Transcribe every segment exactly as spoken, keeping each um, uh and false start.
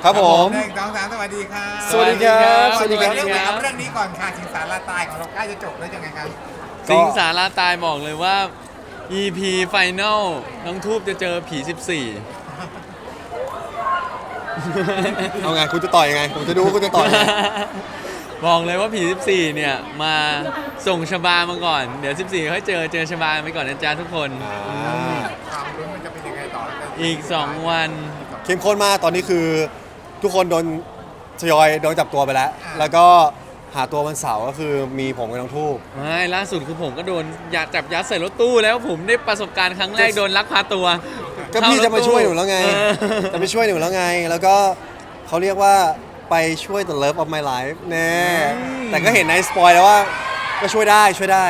ครับผมหนึ่งสองสามสวัสดีครับสวัสดีครับสวัสดีครับสวัสดีครับเรื่องนี้ก่อนค่ะสิงสารลาตายของเราใกล้จะจบแล้วยังไงครับสิงสาราตายบอกเลยว่า อี พี Final น้องทูบจะเจอผี สิบสี่เอาไงคุณจะต่อยยังไงผมจะดูว่าคุณจะต่อยยังไงบอกเลยว่าผี สิบสี่ เนี่ย มาส่งชบามาก่อน เดี๋ยว สิบสี่ ค่อยเจอเจอชบาไปก่อนนะจ๊ะทุกคนอ่าความรุ้นมันจะเป็นยังไงต่ออีก สอง วันเข้มข้นมากตอนนี้คือทุกคนโดนทยอยโดนจับตัวไปแล้ว แล้วก็หาตัววันเสาร์ก็คือมีผมกับน้องทูบไม่ล่าสุดคือผมก็โดนยัดจับยัดใส่รถตู้แล้วผมได้ประสบการณ์ครั้งแรกโดนลักพาตัวก็พี่จะมาช่วยหนูแล้วไงเออจะไปช่วยหนูแล้วไง แล้วก็เขาเรียกว่าไปช่วย the love of my life แน่แต่ก็เห็นในสปอยแล้วว่าก็ช่วยได้ช่วยได้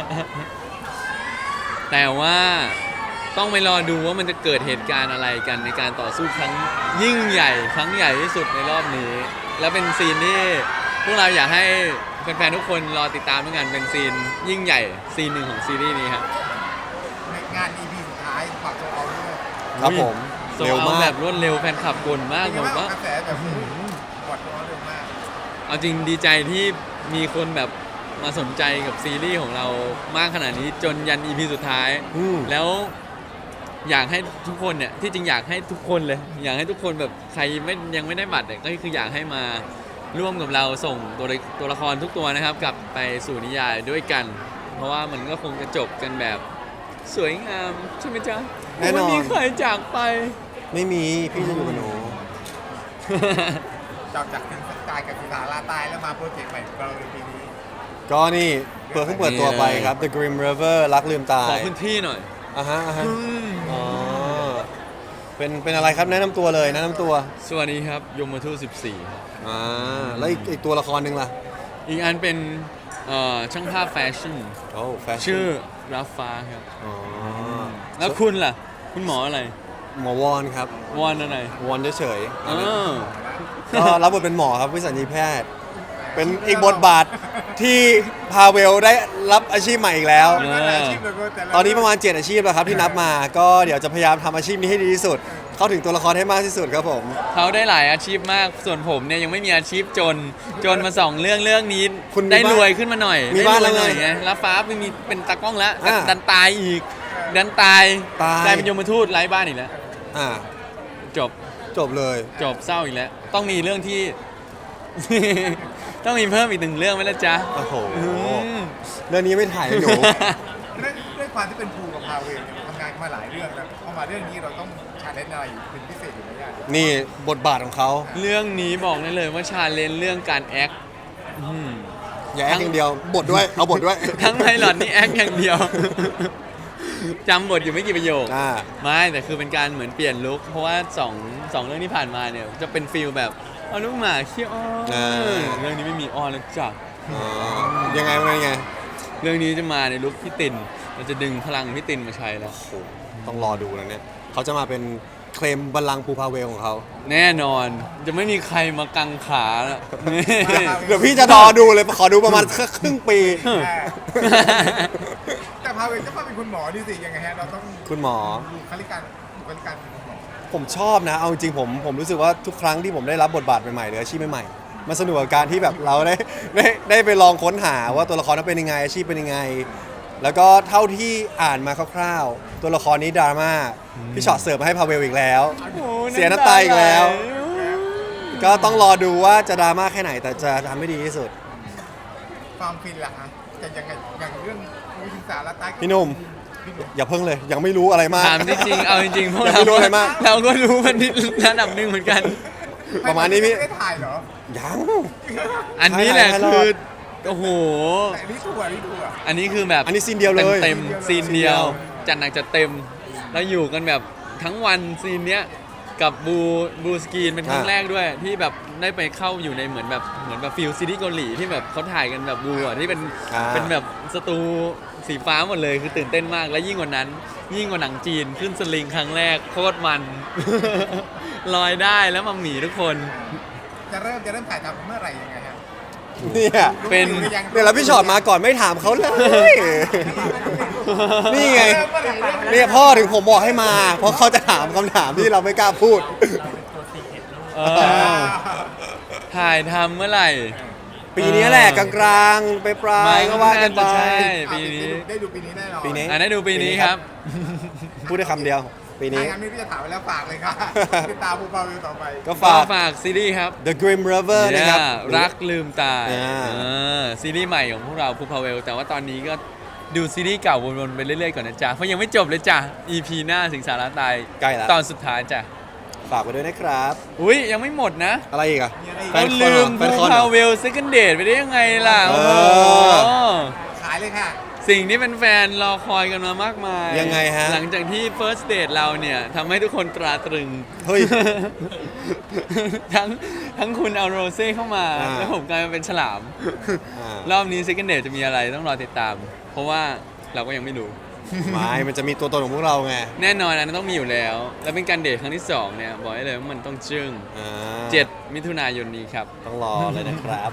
แต่ว่าต้องไปรอดูว่ามันจะเกิดเหตุการณ์อะไรกันในการต่อสู้ครั้งยิ่งใหญ่ครั้งใหญ่ที่สุดในรอบนี้ แล้วเป็นซีนที่พวกเราอยากให้แฟนๆทุกคนรอติดตามด้วยกันเป็นซีนยิ่งใหญ่ซีนหนึ่งของซีรีส์นี้ครับงาน อี พี สุดท้ายฝากตัวเอาด้วยครับผมโซเร็วเอามาแบกบรวดเร็วแฟนคลับกลมากเป็นผไงมบ้างว่ากระแสแบบกดตัวเร็วมากเอาจริงดีใจที่มีคนแบบมาสนใจกับซีรีส์ของเรามากขนาดนี้จนยัน อี พี สุดท้ายอืมแล้วอยากให้ทุกคนเนี่ยที่จริงอยากให้ทุกคนเลย อยากให้ทุกคนแบบใครไม่ยังไม่ได้บัตรเนี่ยก็คืออยากให้มาร่วมกับเราส่งตัวละตัวละครทุกตัวนะครับกลับไปสู่นิยายด้วยกัน เพราะว่ามันก็คงจะจบกันแบบสวยงามใช่ไหมจ๊ะแน่นอนไม่มีใครจากไปไม่มีพี่จะอยู่กับหนูจบจากสิงสารกับสิงสารลาตายแล้วมาโปรเจกต์ใหม่ของเราในปีนี้ก็นี่เปิดเพิ่งเปิดตัวไปครับ The Grim River รักลืมตาขอย พื้นที่หน่อยอ่ะฮะอ่ะฮะอ๋อเป็นเป็นอะไรครับแนะนำตัวเลยแนะนำตัวสวัสดีครับยมทูตสิบสี่อ่าแล้วอีกอีกตัวละครหนึ่งล่ะอีกอันเป็นเอ่อช่างภาพแฟชั่นโอ้แฟชั่นชื่อราฟ้าครับอ๋อแล้วคุณล่ะ คุณหมออะไรหมอวอนครับวอนอะไรวอนเฉยเออๆก็รับบทเป็นหมอครับวิสัญญีแพทย์ เป็นอีกบทบาทที่พาเวลได้รับอาชีพใหม่อีกแล้วเออแต่ละอาชีพเลยก็แต่ละตอนนี้ประมาณเจ็ดอาชีพแล้วครับที่นับมา ก็เดี๋ยวจะพยายามทำอาชีพนี้ให้ดีที่สุด เข้าถึงตัวละครให้มากที่สุดครับผมเขาได้หลายอาชีพมาก ส่วนผมเนี่ยยังไม่มีอาชีพจน จนมาสองเรื่องเรื่องนี้คุณมีได้บ้านรวยขึ้นมาหน่อยมีบ้านได้รวยหน่อยแล้วไงไงแล้วฟ้าไม่มีเป็นตากล้องแล้วอ่าดันตายอีก ดันตายตายกลายเป็นยมทูตไร้บ้านอีกแล้วอ่าจบจบเลยจบเศร้าอีกแล้ว ต้องมีเรื่องที่ ต้องมีเพิ่มอีกหนึ่งเรื่องไหมล่ะจ๊ะโอ้โหอืมเรื่องนี้ไม่ถ่ายให้หนูด้วยด้วยความที่เป็นภูกับพาเวลเนี่ยทำงานมาหลายเรื่องแล้วพอมาเรื่องนี้เราต้องชาเลนจ์อะไรเป็นพิเศษอยู่ไหมเนี่ยนี่บทบาทของเขาเรื่องนี้บอกได้เลยว่าชาเลนจ์เรื่องการแอคอืมอย่าแอคอย่างเดียว บทด้วย เอาบทด้วยทั้งไพลอตนี่แอคอย่างเดียว จำบทอยู่ไม่กี่ประโยคอ่าไม่แต่คือเป็นการเหมือนเปลี่ยนลุคเพราะว่าสองสองเรื่องที่ผ่านมาเนี่ยจะเป็นฟิลแบบเอาลูกหมาขี้อ้อนอ่าเรื่องนี้ไม่มีอ้อนแล้วจ้ะอ๋อยังไงเป็นไงเรื่องนี้จะมาในลุคพี่ตินเราจะดึงพลังพี่ตินมาใช้แล้วโอ้โหต้องรอดูนะเนี่ย เขาจะมาเป็นเคลมบัลลังก์ภูพาเวลของเขาแน่นอนจะไม่มีใครมากังขาแล้วนี่เดี๋ยวพี่จะรอดูเลย ขอดูประมาณครึ่งปีแต่พาเวลก็มาเป็นคุณหมอนี่สิยังไงฮะเราต้องคุณหมอดูคลิการบุคลิการเป็นคุณหมอผมชอบนะ เอาจริงๆผมผมรู้สึกว่าทุกครั้งที่ผมได้รับบทบาทใหม่ๆหรืออาชีพใหม่ๆมันสนุกกับการที่แบบเราได้ได้ได้ไปลองค้นหาว่าตัวละครนั้นเป็นยังไงอาชีพเป็นยังไง แล้วก็เท่าที่อ่านมาคร่าวๆ ตัวละครนี้ดราม่าพี่ช็อตเสิร์ฟมาให้พาเวลอีกแล้วโอ้เสียน้ำตาอีกแล้วไหลก็ต้องรอดูว่าจะดราม่าแค่ไหนแต่จะทำให้ดีที่สุดความฟินล่ะฮะจะยังไงอย่างเรื่องภูสิงสารลาตายพี่หนุ่ม อย่าเพิ่งเลยยังไม่รู้อะไรมากถามจริงๆเอาจริงๆพวกอย่าเราไปรู้อะไรมากเราก็รู้มันนิดระดับหนึ่งเหมือนกันประมาณนี้พี่ไม่ได้ถ่ายเหรอยังอันนี้แหละให้รอดคือโอ้โหแต่อันนี่ทัวร์นี่ทัวร์อันนี้คือแบบอันนี้ซีนเดียวเลยเต็มๆซีนเดียวจัดหนักจัดเต็ม แล้วอยู่กันแบบทั้งวันซีนเนี้ยกับบูบูสกรีนเป็นครั้งอ่าแรกด้วย ที่แบบได้ไปเข้าอยู่ในเหมือนแบบเหมือนแบบฟิลซีรีส์เกาหลีที่แบบเขาถ่ายกันแบบบูอ่ะที่เป็นอ่าเป็นแบบสตูสีฟ้าหมดเลยคือตื่นเต้นมากและยิ่งกว่านั้น ยิ่งกว่าหนังจีนขึ้นสลิงครั้งแรกโคตรมัน ลอยได้แล้วมาหมีทุกคนจะเริ่มจะเริ่มถ่ายทำเมื่อไหร่ยังไงฮะเนี่ยเป็นรู้หรือยังเนี่ยแล้วพี่ช็อตมาก่อนไม่ถามเขาเลย นี่ไง เนี่ยพ่อถึงผมบอกให้มา เพราะเขาจะถามคำถามที่เราไม่กล้าพูดเออถ่ายทำเมื่อไหร่ปีนี้แหละกลางๆไปปลายไม่ๆก็ว่ากันไปน่าจะใช่อ่ะปีนี้ได้ดูปีนี้แน่นอนปีนี้อ่ะได้ดูปีนี้ครับพูดได้คำเดียว ปีนี้ถ้างั้นไม่พี่จะถามไปแล้วฝากเลยค่ะติดตามภูพาวิวต่อไปก็ฝาฝาก กฝากซีรีส์ครับ The Grim River นะครับเนี่ยรักลืมตาอ่าเออซีรีส์ใหม่ของพวกเราพูพาเวลแต่ว่าตอนนี้ก็ดูซีรีส์เก่าวนๆไปเรื่อยๆก่อนนะจ๊ะเพราะยังไม่จบเลยจ้ะ อี พี หน้าสิงสาราตายใกล้แล้วตอนสุดท้ายจ้ะฝากไว้ด้วยนะครับอุ้ยยังไม่หมดนะอะไรอีกอ่ะมีอะไรอีกแฟเรานคอนลืเหรอมแฟพูนคอนเหรพาอเวลซิกเกิลเดทไปได้ยังไงล่ะเอโอ้อโหขายเลยค่ะสิ่งที่เป็นแฟนรอคอยกันมามากมายยังไงฮะหลังจากที่ First Date เราเนี่ยทำให้ทุกคนตราตรึงเฮ้ยทั้งทั้งคุณเอาโรเซ่เข้ามาอ่าแล้วผมกลายมาเป็นฉลามอ่ารอบนี้ Second Date จะมีอะไรต้องรอติดตาม เพราะว่าเราก็ยังไม่รู้ไม่มันจะมีตัวตนของพวกเราไงแน่นอนอันนั้นต้องมีอยู่แล้ว แล้วเป็นการเดทครั้งที่สองเนี่ยบอกได้เลยว่ามันต้องจึ้งอ่าเจ็ดมิถุนายนนี้ครับต้องรอเลยนะครับ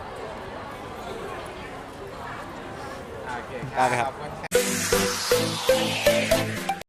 โอเคได้ไหมครับขอณ